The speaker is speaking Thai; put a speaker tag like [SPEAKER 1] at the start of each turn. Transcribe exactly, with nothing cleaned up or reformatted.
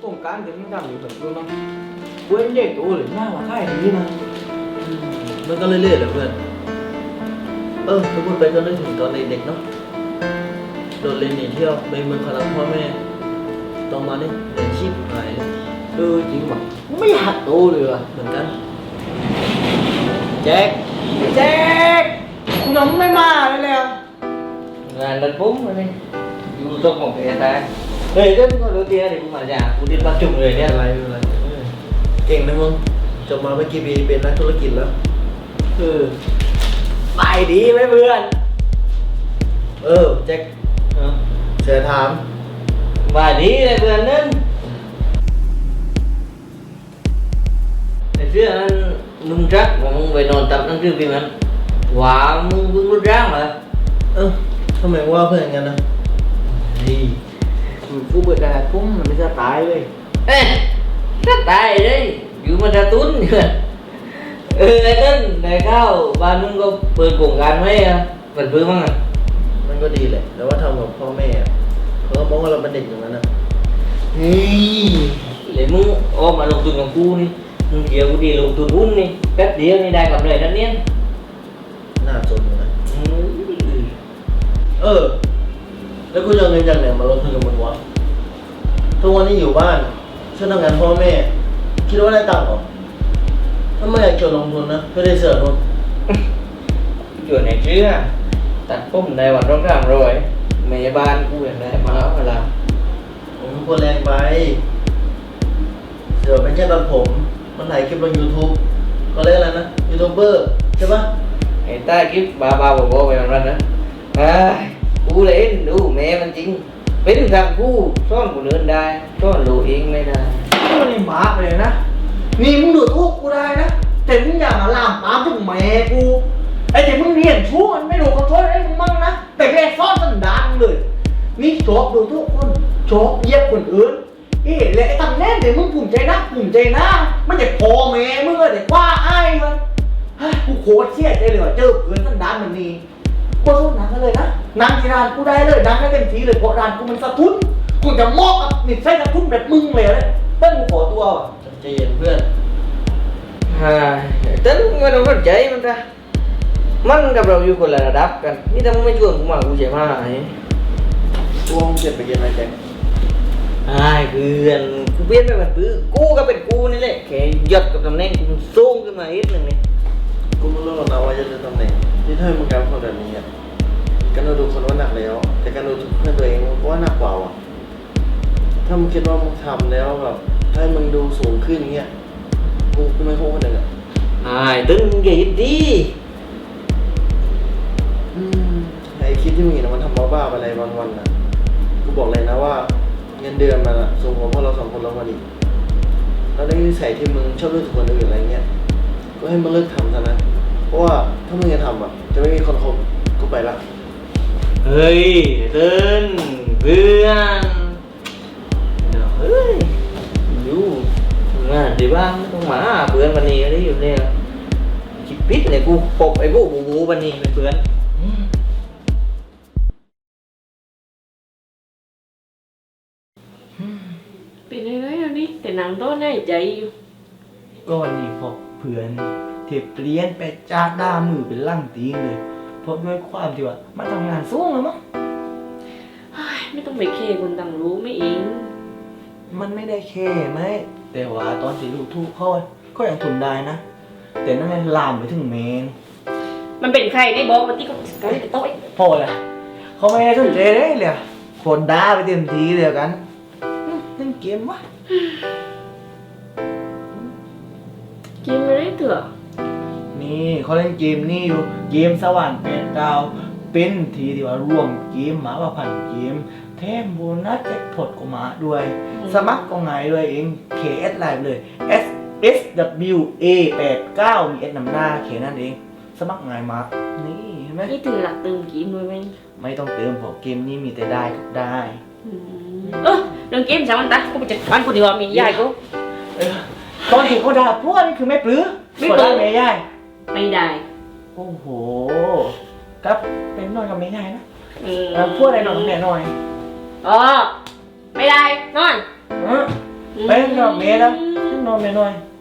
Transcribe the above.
[SPEAKER 1] งการจะไม่ทำอยู่แบบนู้นมั้งเว้นเด็กโอ้เลยหน้าว่าใกล้นี้นะ
[SPEAKER 2] มันก็เรื่อยๆแหละเพื่อนเออถ้าพูดไปก็นึกถึงตอนเด็กๆเนาะโดดเรียนหนีเที่ยวไปเมืองคาราพ่อแม่ต้องมาเนี่ยเรียนชีพหาย
[SPEAKER 1] เออจริงว่ะไม่อยากโตเลยว่ะ
[SPEAKER 2] เหมือนกัน
[SPEAKER 1] แจ็คแจ็คคุณน้องไม่มาเลยเลย
[SPEAKER 3] งานดันปุ๊บมาเนี่ยอยู่ตรงของเอตาเฮ้ยก็ก็รู้ตีนะเดี๋ยวกูมาจากกูดิ้นมาจุ่มเลยเนี่ย
[SPEAKER 2] อะไรอะไรเก่งนะมึงจบมาไม่กี่ปีเป็นนักธุรกิจแล้ว
[SPEAKER 1] เออไปดีไหมเพื่อน
[SPEAKER 2] เออแจ็คเสียถาม
[SPEAKER 3] ว่าดีเลยเพื่อนนั่นไอ้เสื้อนั้นนุ่มจักมึงไปนอนตับนั่นคือพี่มันว้ามึงมึงรู้ร่างเหรอ
[SPEAKER 2] เออทำไมว่าเพื่อนกันนะ
[SPEAKER 1] นี่กูเบิดได้ปุ้มมันไม่จะตายเลย
[SPEAKER 3] เอ๊ะจะตายเลยอยู่มันจะตุ้นเออไอ้ต้นได้เข้าบ้านมึงก็เปิดโครงการไว้อะเปิดเพื่อมั้งอ่ะ
[SPEAKER 2] มันก็ดีแหละแต่ว่าทำกับพ่อแม่เขาก็มองว่าเราเป็นเด็กอย่างนั้นนะ
[SPEAKER 3] เฮ้ยเลยมึงออกมาลงทุนกับกูนี่มึงเดี๋ยวกูดีลงทุนหุ้นนี่แป๊บเดียวนี่ได้กำไรนั่นเนี่ย
[SPEAKER 2] น่าจนนะเออแล้วกูจะเอาเงินจากไหนมาลงทุนกับมึงวะทุกวันนี้อยู่บ้านช่วยทำงานพ่อแม่คิดว่าได้ตังค์หรอถ้าไม่อยากเกี่ยวลงทุนนะไม่ได้เสือกมึง
[SPEAKER 3] อยู่ในเชื่อตัดผมในวันร้องรำรวยแม่บ้านกูอย่างไรมาแล้วเวลา
[SPEAKER 2] ผมควรแรงไปเสือกเป็นแค่ตัดผมมันถ่ายคลิปลง YouTube ก็เรียกอะไรนะยูทูบเบอร์ใช่ปะ
[SPEAKER 3] ไอ้ใต้คลิปบ้าบ้าบอๆไปวันๆนะอ่ากูเล่นดูแม่มันจริงเป็นทางกูซ่อนกูเดินได้ซ่อนลูกเองไม่ได้
[SPEAKER 1] มันนี่บ้าไปเลยนะนี่มึงดูทุกกูได้นะแต่มึงอย่ามาลามปามถึงแม่กูไอ้ที่มึงเรียนชั่วมันไม่รู้ขอโทษไอ้มึงมั่งนะแต่แม่ซ่อนสันดานเลยนี่ชอบดูทุกคนชอบเยียบคนอื่นเอ๊ะและไอ้ทำแน่เดี๋ยวมึงภูมิใจนะภูมิใจนะมันจะพอแม่มึงเลยเดี๋ยวว่าไอ้มันกูโคตรเชี่ยใจเลยว่าเจอเพื่อนสันดานมันนี่กูสู้หนังกันเลยนะหนังที่ร้านกูได้เลยหนังได้เต็มที่เลยเพราะร้านกูมันสะทุนกูจะมอบกับนิสัยสะทุนแบบมึงเลยเลยเต้นกูขอตัวว่ะ
[SPEAKER 2] ใจเย็นเพื่อน
[SPEAKER 3] ฮ่าเต้นไม่ต้องสนใจมันจ้ะมันกับเราอยู่คนละระดับกันนี่ถ้ามึงไม่ชวนกูมากูจะมาไอ้
[SPEAKER 2] กูห้องเจ็บไปเย็นอะไรแจ็ค
[SPEAKER 3] ไอ้เพื่อนกูเปลี่ยนไปเป็นปื้อกูก็เป็นกูนี่แหละแค่หยัดกับตำแหน่งกูสูงขึ้นมาอีกหนึ่งนี่
[SPEAKER 2] กูไม่รู้หรอกนะว่าจะเลือกตำแหน่งที่ถ้ามึงการคนแบบนี้อ่ะการดูคนว่าหนักแล้วแต่การดูเพื่อนตัวเองก็ว่าหนักกว่าอ่ะถ้ามึงคิดว่ามึงทำแล้วแบบถ้ามึงดูสูงขึ้นอย่างเงี้ยกูกูไม่โค้งคนหนึ่งอ่ะ
[SPEAKER 3] ไอ้ตึ้งใหญ่ดี
[SPEAKER 2] อืมไอ้คลิปที่มึงเห็นมันทำบ้าๆไปอะไรวันๆนะกูบอกเลยนะว่าเงินเดือนมันอะสูงกว่าพวกเราสองคนเราวันอีกแล้วในนิสัยที่มึงชอบเลือกคนอื่นอะไรเงี้ยก็ให้มึงเลิกทำซะนะเพราะว่าถ้ามึงจะทำอ่ะจะไม่มีคนคบกูไปละ
[SPEAKER 3] เฮ้ยเติ้นเพื่อนเฮ้ยอยู่งานดีบ้างต้องมาเพื่อนวันนี้ได้อยู่เนี่ยคิดปิดเลยกูปกไอ้บูบูบูวันนี้เป็นเพื่อน
[SPEAKER 4] เป็นยังไงแล้วนี่แต่หนังต้นให้ใจอยู่
[SPEAKER 1] ก็วันนี้พอเพื่อนเทปเปลี่ยนไปจากด้ามือเป็นลั่งตีนเลยเพราะด้วยความที่ว่ามันทำงานสูงแล้วมั้ง
[SPEAKER 4] ไม่ต้องไปเคคนต่างรู้ไม่เอง
[SPEAKER 1] มันไม่ได้เคไหมแต่ว่าตอนที่ลูกทุกเขาก็ยังทนได้นะแต่นั่นมันลามไปถึงเมน
[SPEAKER 4] มันเป็นใครได้บอกวันที่เขาเขาได้โต๊ะ
[SPEAKER 1] พอเลยเขาไม่ได้สนใจเลยเลยคนด่าไปเต็มทีเดียวกันเล่นเกมวะ
[SPEAKER 4] เกมอะไรเถอะ
[SPEAKER 1] นี่เขาเล่นเกมนี่อยู่เกมสวรรค์แปดดาวเป็นทีที่ว่ารวมเกมมาว่าพันเกมแถมโบนัสแจ็คพอตก็มาด้วยสมัครก็ง่ายเลยเอง เค เอส ไลน์เลย S S W A แปดเก้ามี S นำหน้าเคนั่นเองสมัครง่ายมากนี่เห็นไหม
[SPEAKER 4] นี่ถือหลักเติมเกมด้วยไหม
[SPEAKER 1] ไม่ต้องเติมเพราะเกมนี้มีแต่ได้กับได้
[SPEAKER 4] เออเรื่องเกมสามวันตากูไปจัดการกูดีกว่ามียายกู
[SPEAKER 1] ตอนเห็นเขาด่าพวกนี่คือไม่ปลื้มไม่ปลื้มไม่ยาย
[SPEAKER 4] ไม่ได้
[SPEAKER 1] โอ้โหครับเป็นนอนกับไม่ยายนะพวกอะไรนอนกับแม่หน่อย
[SPEAKER 4] อ๋อไม่ได้นอน
[SPEAKER 1] ไปนอนเมย์นะนอนเมย์หน่อย